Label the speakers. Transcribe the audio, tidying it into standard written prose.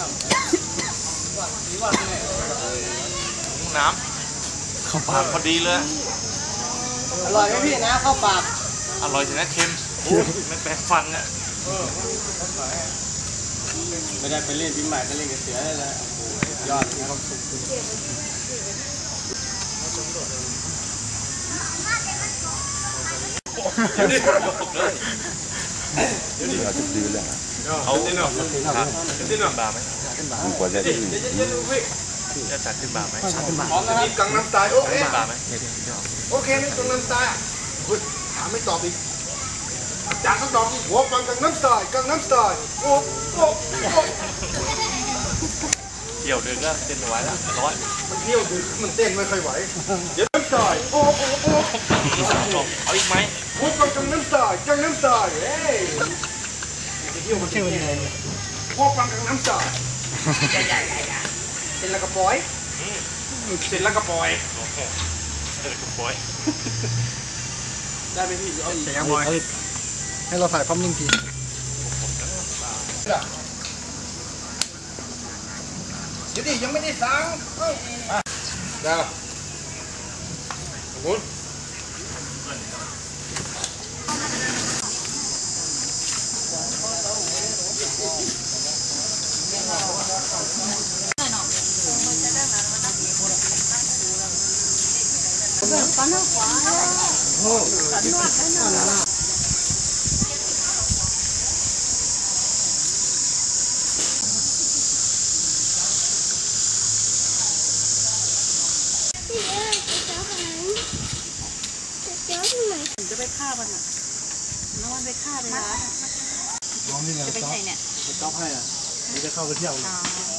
Speaker 1: น้ำเข้าปากพอดีเลย
Speaker 2: อร่อยไหมพี่นะเข้าปาก
Speaker 1: อร่อยสินะเค็มไม่แปลกฟันเนี่ย
Speaker 2: ไม่ได้ไปเล่นปีใหม่ก็เล่นกับเสือได้แล้วยอดนะครับ
Speaker 3: เราจะดื้อเลย
Speaker 1: เขาขึ้นบาไหม
Speaker 3: กว่าจะดื้อ
Speaker 1: จะจัดขึ้นบาไหม
Speaker 2: พร้อมนะครับกังน้ำตายโอเค
Speaker 1: บาไหม
Speaker 2: โอเคนี่กังน้ำตายถามไม่ตอบอีกจากคำตอบหัวฟังกังน้ำตายกังน้ำตายโอ้โอ้
Speaker 1: เที่ยวเดินก็เต้นไว้แล้วร้อน
Speaker 2: มันเที่ยวดึกมันเต้นไม่ค่อยไหวเดี๋ยวน้ำตายโอ้โอ้โอ้
Speaker 1: เอาอีกไหม
Speaker 2: หัวฟังกังน้ำตายกังน้ำตายเฮ้ยเที่ยวมันเที่ยวยังไงหัวฟังกังน้ำตายเสร็จแล้วก็ปล่อยเสร็จแล้วก็ปล่อย
Speaker 1: เสร็จแล้วก็ปล่อย
Speaker 2: ได้ไหมพี่เอาอีก
Speaker 4: ให้เราถ่ายพร้อมนิ่งที
Speaker 2: เดี๋ยวดิยังไม่ได้สั่งได้ขอบคุณ
Speaker 5: จะไปฆ่ามันอ่ะแล้วมันไปฆ่าไปร้านจะไปไหนเนี่ย
Speaker 4: จ๊อบให้อ่ะนี่จะเข้าไปเที่ยว